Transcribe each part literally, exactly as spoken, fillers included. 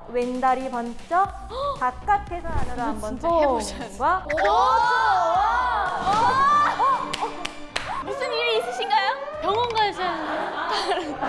왼다리 번쩍 바깥에서 안으로 한번 진짜 해보셔야지. 과 무슨 일이 있으신가요? 병원 가셔야 하는데.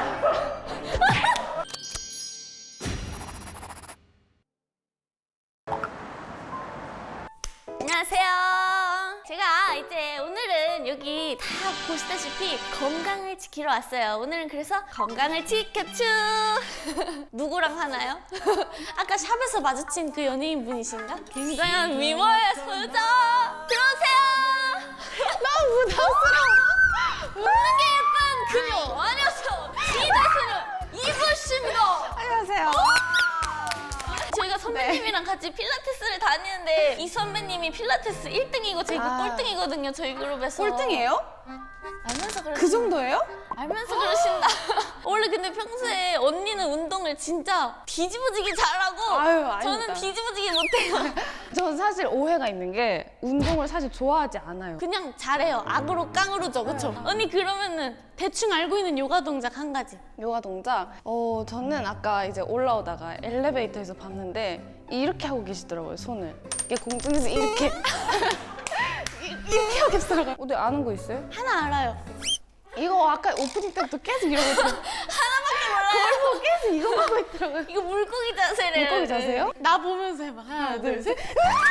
안녕하세요. 제가 이제 오늘은 여기 다 보시다시피 건강을 지키러 왔어요. 오늘은 그래서 건강을 지켜추. 누구랑 하나요? 아까 샵에서 마주친 그 연예인 분이신가? 굉장한 미모의 소유자. 들어오세요. 너무 부담스러워. 웃는 게 예쁜 그녀 아니었어. 이다스는 이불씨입니다. 안녕하세요. 저희가 선배님이랑 같이 필라테스를 다니는데 이 선배님이 필라테스 일 등이고 제가 아. 꼴등이거든요. 저희 그룹에서. 꼴등이에요? 알면서 그러신다. 그 정도예요? 알면서 그러신다. 원래 근데 평소에 언니는 운동을 진짜 뒤집어지게 잘하고 아유, 아닙니다. 저는 뒤집어지게 못해요. 전 사실 오해가 있는 게 운동을 사실 좋아하지 않아요. 그냥 잘해요. 악으로 깡으로죠. 그쵸? 언니 그러면은 대충 알고 있는 요가 동작 한 가지. 요가 동작? 어, 저는 아까 이제 올라오다가 엘리베이터에서 봤는데 이렇게 하고 계시더라고요, 손을. 이게 공중에서 이렇게. 이- 이렇게 하고 계시더라고요. 어디 아는 거 있어요? 하나 알아요. 이거 아까 오프닝 때부터 계속 이러고 있어요. 하나밖에 몰라요. 그걸 보고 계속 이거 하고 있더라고요. 이거 물고기 자세를. 물고기 자세요? 나 보면서 해봐. 하나, 둘, 셋.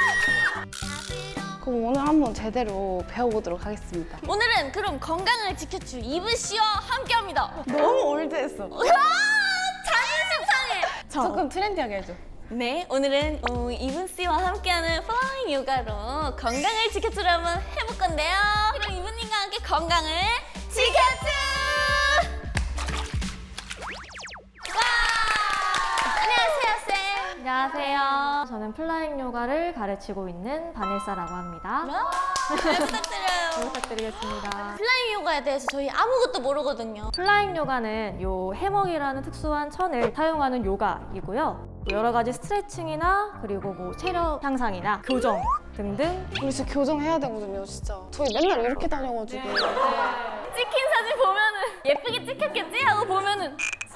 그럼 오늘 한번 제대로 배워보도록 하겠습니다. 오늘은 그럼 건강을 지켜줄 이브 씨와 함께합니다. 너무 올드했어. 와, 자존심 상해. 저, 조금 트렌디하게 해줘. 네, 오늘은 어, 이브 씨와 함께하는 플라잉 요가로 건강을 지켜주려 한번 해볼 건데요. 그럼 이브님과 함께 건강을 지켜주! 와! 안녕하세요, 쌤. 안녕하세요. 저는 플라잉 요가를 가르치고 있는 바네사라고 합니다. 와, 잘 잘 부탁드려요. 부탁드리겠습니다. 플라잉 요가에 대해서 저희 아무것도 모르거든요. 플라잉 요가는 요 해먹이라는 특수한 천을 사용하는 요가이고요. 여러 가지 스트레칭이나 그리고 뭐 체력 향상이나 교정 등등. 우리 진짜 교정해야 되거든요, 진짜. 저희 맨날 이렇게 다녀가지고. 찍힌 사진 보면은 예쁘게 찍혔겠지? 하고 보면은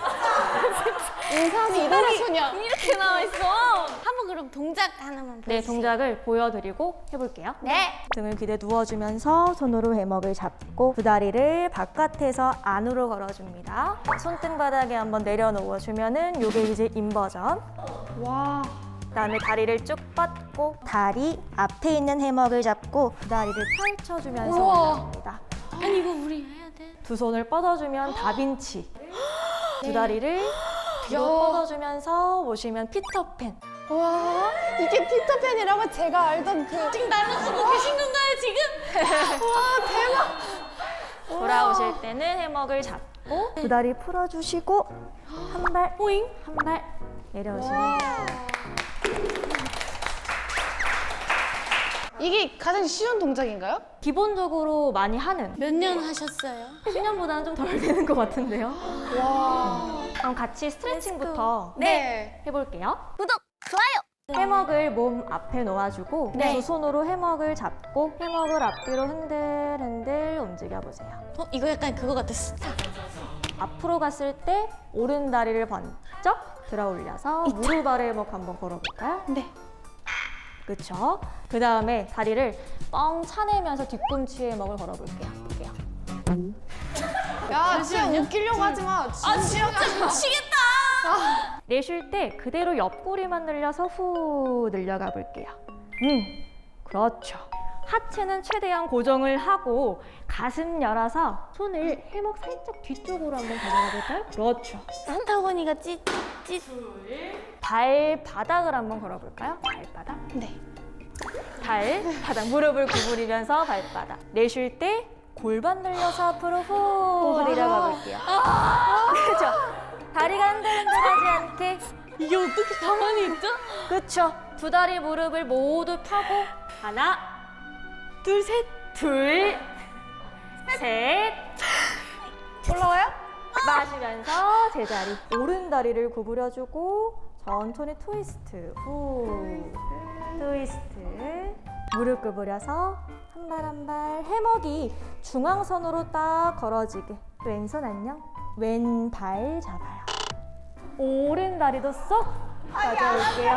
인사하면 이달의 소녀. 이렇게 나와 있어. 한번 그럼 동작 하나만 보여주세요. 네, 동작을 보여드리고 해볼게요. 네. 등을 귀에 누워주면서 손으로 해먹을 잡고 두 다리를 바깥에서 안으로 걸어줍니다. 손등 바닥에 한번 내려놓아주면은 요게 이제 인버전. 와. 그다음에 다리를 쭉 뻗고 다리 앞에 있는 해먹을 잡고 두 다리를 펼쳐주면서 우와. 올라옵니다. 아니 이거 우리 해야 돼. 두 손을 뻗어주면 다빈치. 두 다리를 뒤로 야. 뻗어주면서 오시면 피터팬. 와. 이게 피터팬이라고 제가 알던 그. 지금 나를 쓰고 계신 건가요 지금? 와, 대박. 돌아오실 때는 해먹을 잡고 두 다리 풀어주시고 한 발, 오잉. 한 발 내려오시면 돼요. 이게 가장 쉬운 동작인가요? 기본적으로 많이 하는 몇 년 하셨어요? 십 년보다는 좀 덜 되는 것 같은데요. 와. 그럼 같이 스트레칭부터 네. 해볼게요. 구독, 좋아요. 해먹을 몸 앞에 놓아주고 네. 두 손으로 해먹을 잡고 해먹을 앞뒤로 흔들흔들 움직여보세요. 어 이거 약간 그거 같았어. 앞으로 갔을 때 오른 다리를 번쩍 들어 올려서 무릎 아래 해먹 한번 걸어볼까요? 네. 그쵸? 그 다음에 다리를 뻥 차내면서 뒤꿈치에 해먹을 걸어볼게요. 볼게요. 야, 진짜 웃기려고 하지 마. 아 진짜 미치겠다. 내쉴 때 그대로 옆구리만 늘려서 후 늘려가 볼게요. 음, 그렇죠. 하체는 최대한 고정을 하고 가슴 열어서 손을 해먹 살짝 뒤쪽으로 한번 가져가 볼까요? 그렇죠. 산타고니가 찌찌. 발바닥을 한번 걸어볼까요? 발바닥. 네. 발바닥. 무릎을 구부리면서 발바닥. 내쉴 때 골반 늘려서 앞으로 후 내려가 볼게요. 그렇죠. 다리가 흔들흔들하지 않게. 이게 어떻게 가만히 있죠? 그렇죠. 두 다리 무릎을 모두 펴고 하나, 둘, 셋, 둘, 셋. 올라와요? 마시면서 제자리. 오른 다리를 구부려주고 천천히 트위스트. 후. 트위스트. 무릎 구부려서 한 발 한 발 해먹이 중앙선으로 딱 걸어지게. 왼손 안녕. 왼발 잡아요. 오른 다리도 쏙 가져올게요.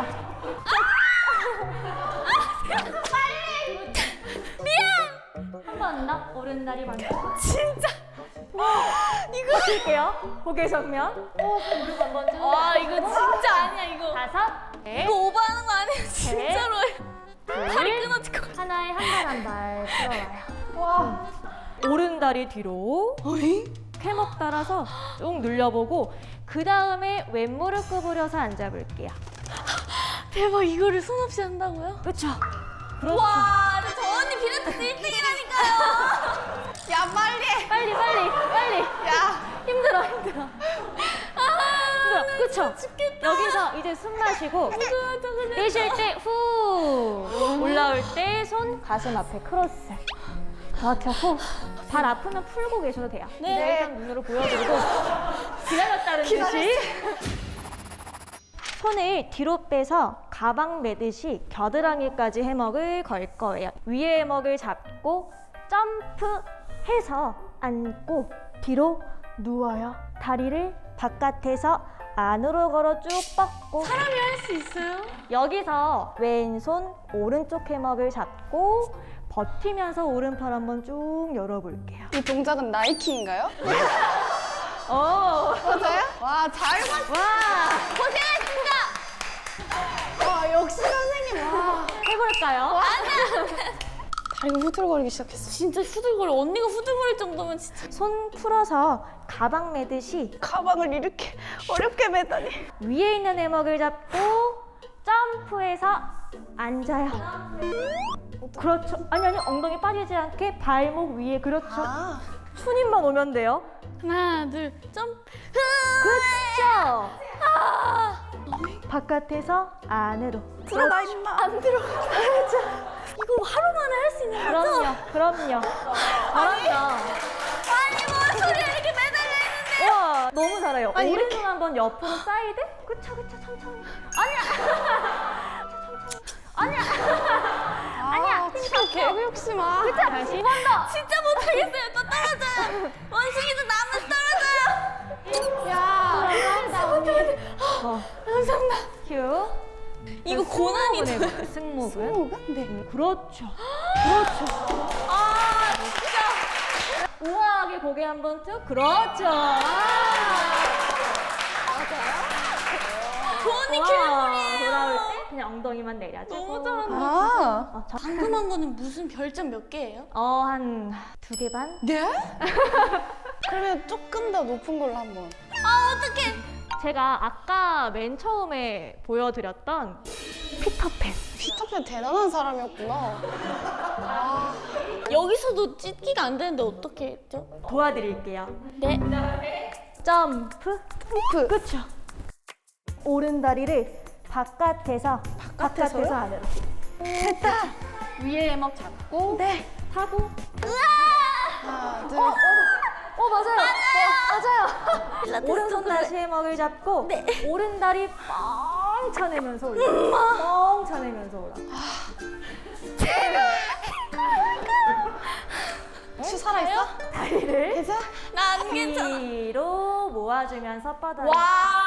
한번 더 오른다리 반짝. 진짜. 이거 드릴게요. 고개 정면. 오, 무릎 한번 쭉. 와 이거 진짜 아니야 이거. 다섯, 넷, 이거 오버하는 거 아니야 진짜로. 다리 둘, 끊어질 것 같아. 하나에 한 발 한 발 풀어와요. 와. 오른다리 뒤로. 해먹 따라서 쭉 늘려보고 그 다음에 왼무릎 구부려서 앉아볼게요. 대박 이거를 손 없이 한다고요? 그렇죠. 그렇죠. 와, 근데 저 언니 필라테스 일 등이라니까요. 야 빨리. 빨리 빨리 빨리. 야. 힘들어 힘들어. 아, 힘들어. 그렇죠. 여기서 이제 숨 마시고 내쉴 때 후 올라올 때 손 가슴 앞에 크로스. 그렇죠. 후. 발 아프면 풀고 계셔도 돼요. 네. 일단 눈으로 보여드리고 기다렸다는 듯이 손을 뒤로 빼서 가방 매듯이 겨드랑이까지 해먹을 걸 거예요. 위에 해먹을 잡고 점프해서 앉고 뒤로 누워요. 다리를 바깥에서 안으로 걸어 쭉 뻗고 사람이 할 수 있어요? 여기서 왼손 오른쪽 해먹을 잡고 버티면서 오른팔 한번 쭉 열어볼게요. 이 동작은 나이키인가요? 오, 맞아요? 와, 잘 봤어. 와, 고생하셨습니다. 와, 역시 선생님. 와. 해볼까요? 다리가 후들거리기 시작했어. 진짜 후들거려. 언니가 후들거릴 정도면 진짜. 손 풀어서 가방 매듯이 가방을 이렇게 어렵게 매다니. 위에 있는 해먹을 잡고 점프해서 앉아요. 그렇죠. 아니 아니 엉덩이 빠지지 않게 발목 위에 그렇죠. 아. 추님만 오면 돼요. 하나, 둘, 점프. 그렇죠. 바깥에서 안으로. 들어가 임마. 안 들어. 이거 하루 만에 할 수 있는 거죠? 그럼요. 그럼요. 그럼요. 아니, 뭐 소리가 이렇게 매달려 있는데. 와 너무 잘해요. 아니, 오른손 이렇게. 한번 옆으로 사이드. 그쵸 그쵸 천천히. 아니야. 아니야. 아니야. 진짜 개그 욕심아. 다시 한 번 더. 진짜 못하겠어요. 또 떨어져요. 원숭이도 나무 떨어져요. 야. 어, 감사합니다. 큐. 이거 고난이다. 승모근 해볼게요, 승모근. 승모근? 네. 그렇죠. 그렇죠. 아, 진짜. 우아하게 고개 한번 쭉. 그렇죠. 아. 그 언니 와, 킬러물이에요. 돌아올 때 그냥 엉덩이만 내려주고. 너무 잘한다. 아. 어, 저, 궁금한 거는 무슨 별점 몇 개예요? 어, 한 두 개 반? 네? 그러면 조금 더 높은 걸로 한번. 아, 어떡해. 제가 아까 맨 처음에 보여드렸던 피터팬. 피터팬 대단한 사람이었구나. 아. 여기서도 찢기가 안 되는데 어떻게 했죠? 도와드릴게요. 네. 점프. 점프. 그쵸. 오른 다리를 바깥에서, 바깥에서요? 바깥에서 안으로. 됐다. 위에 해먹 잡고. 네. 타고. 하나, 둘. 어, 어 맞아요. 맞아요. 필라테스 오른손 그래. 다시 해먹을 잡고 네. 오른 다리 뻥 차내면서 올라. 뻥 차내면서 올라. 혹시 살아있어? 다리를 괜찮아? 나 안 괜찮아. 뒤로 모아주면서 뻗어요. 와.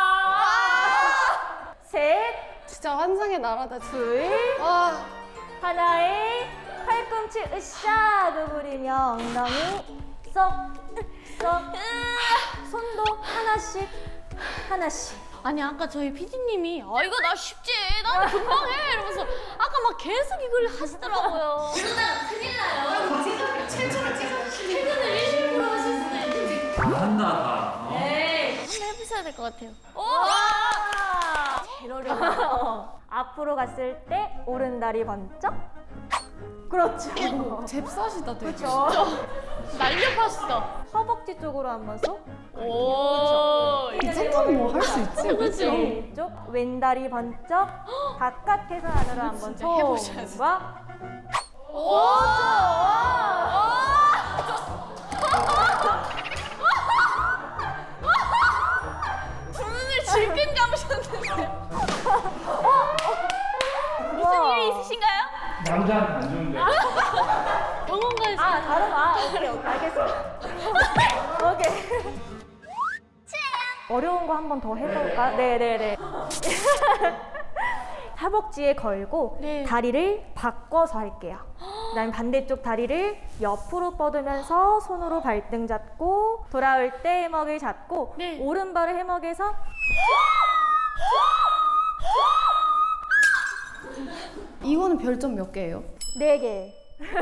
셋, 진짜 환상의 나라다. 둘, 와. 하나에 팔꿈치 으쌰 구부리며 엉덩이 쏙, 쏙. 손도 하나씩, 하나씩. 아니 아까 저희 피디님이 아 이거 나 쉽지 나 금방 해 이러면서 아까 막 계속 이걸 하시더라고요. 그러다 큰일 나요. 지금 최초로 찍어주시는 퇴근을 일십 퍼센트 하실 수도 있는데. 한다 다. 어? 네. 한번 해보셔야 될 것 같아요. 오! 제일 어려워. 어, 앞으로 갔을 때 오른 다리 번쩍. 그렇죠. 잽싸시다 되게. 그렇죠. 날렵하시다. 허벅지 쪽으로 한번 쏙. 오. 이 정도는 뭐 할 수 있지? 그렇죠. 왼쪽 왼다리 번쩍. 바깥에서 안으로 한번 진짜 해보셔야지. 손과. 오. 눈을 질끈 감으셨는데. 무슨 일이 있으신가요? 남자는 안 좋은데. 병원 가야지. 아 다른 아 오케이 오케이 알겠습니다. 오케이. 어려운 거 한 번 더 해볼까? 네네네. 허벅지에 걸고 네. 다리를 바꿔서 할게요. 그다음에 반대쪽 다리를 옆으로 뻗으면서 손으로 발등 잡고 돌아올 때 해먹을 잡고 네. 오른발을 해먹에서 이거는 별점 몇 개예요? 네 개.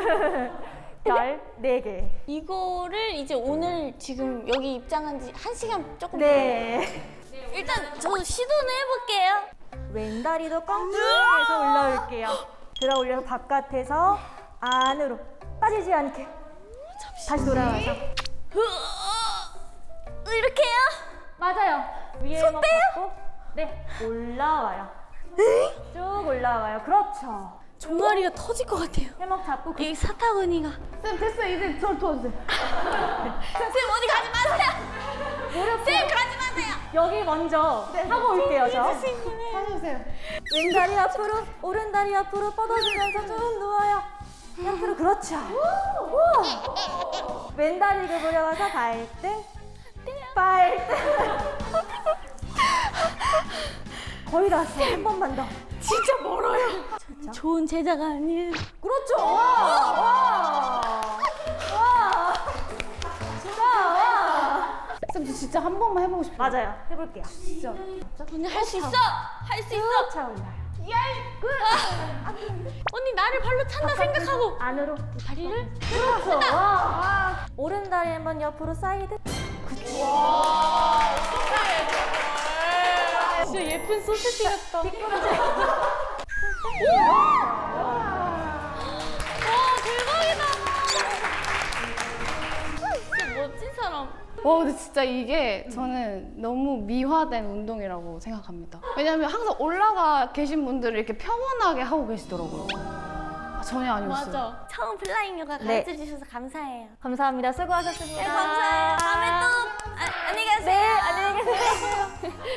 별 네 개. 이거를 이제 오늘 지금 여기 입장한 지 한 시간 조금 네. 일단 저 시도는 해볼게요. 왼다리도 껑충해서 올라올게요. 들어 올려서 바깥에서 안으로 빠지지 않게. 다시 돌아와서. 으, 이렇게요? 맞아요. 위에 해먹 잡고 네 올라와요. 쭉 올라와요. 그렇죠. 종아리가 터질 것 같아요. 해먹 잡고 그 이 사타구니가. 쌤 됐어 이제 저 도와주세요. 쌤 어디 가지 마세요. 무릎 쌤 가지 마세요. 여기 먼저 하고 올게요. 저. 해주세요. 왼다리 앞으로 오른다리 앞으로 뻗어주면서 쭉 누워요. 옆으로 그렇죠. 우와. 왼다리 구부려 와서 발등 발등 거의 다 왔어요. 한 번만 더. 진짜 멀어요. 좋은 제자가 아니에요. 그렇죠. 와. 와. 와. 진짜 와. 쌤 저 진짜 한 번만 해보고 싶어요. 맞아요. 해볼게요. 진짜. 언니 할 수 있어. 할 수 있어. 쭉 차올라요. 언니 나를 발로 찬다 생각하고 안으로 다리를. 그렇죠. 와. 오른다리 한번 옆으로 사이드. 진짜 예쁜 소시지 같다. 와 대박이다. 진짜 멋진 사람. 와 근데 진짜 이게 저는 너무 미화된 운동이라고 생각합니다. 왜냐면 항상 올라가 계신 분들은 이렇게 평온하게 하고 계시더라고요. 아, 전혀 아니었어요. 맞아. 처음 플라잉 요가 네. 가르쳐 주셔서 감사해요. 감사합니다. 수고하셨습니다. 네 감사해요. 다음에 또 아, 안녕히 가세요. 네, 안녕히 계세요.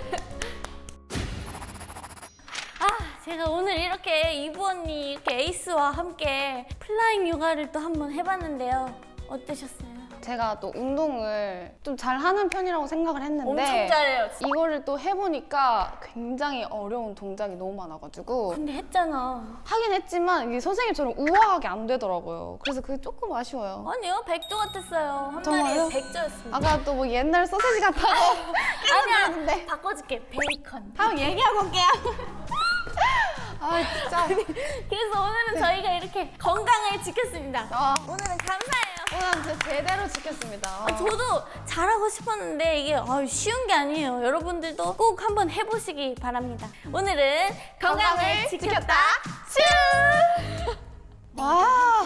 아, 제가 오늘 이렇게 이브 언니 이렇게 에이스와 함께 플라잉 요가를 또 한번 해봤는데요. 어떠셨어요? 제가 또 운동을 좀 잘하는 편이라고 생각을 했는데 엄청 잘해요. 진짜. 이거를 또 해보니까 굉장히 어려운 동작이 너무 많아가지고 근데 했잖아. 하긴 했지만 이게 선생님처럼 우아하게 안 되더라고요. 그래서 그게 조금 아쉬워요. 아니요, 백조 같았어요. 한 정말요? 마리에 백조였습니다. 아까 또 뭐 옛날 소세지 같다고 아니야, 바꿔줄게. 베이컨. 한번 얘기하고 올게요. 아 진짜. 그래서 오늘은 저희가 이렇게 건강을 지켰습니다. 아, 오늘은 감사해요. 오늘 진짜 제대로 지켰습니다. 아, 저도 잘하고 싶었는데 이게 아, 쉬운 게 아니에요. 여러분들도 꼭 한번 해보시기 바랍니다. 오늘은 건강을, 건강을 지켰다. 슈! 와.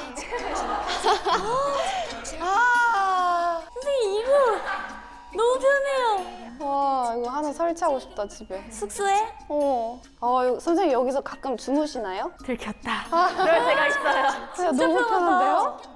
아. 선생님 이거 너무 편해요. 와 이거 하나 설치하고 싶다 집에. 숙소에 어. 아 이거 선생님 여기서 가끔 주무시나요? 들켰다. 그럴 때가 있어요. 진짜 너무 편한데요?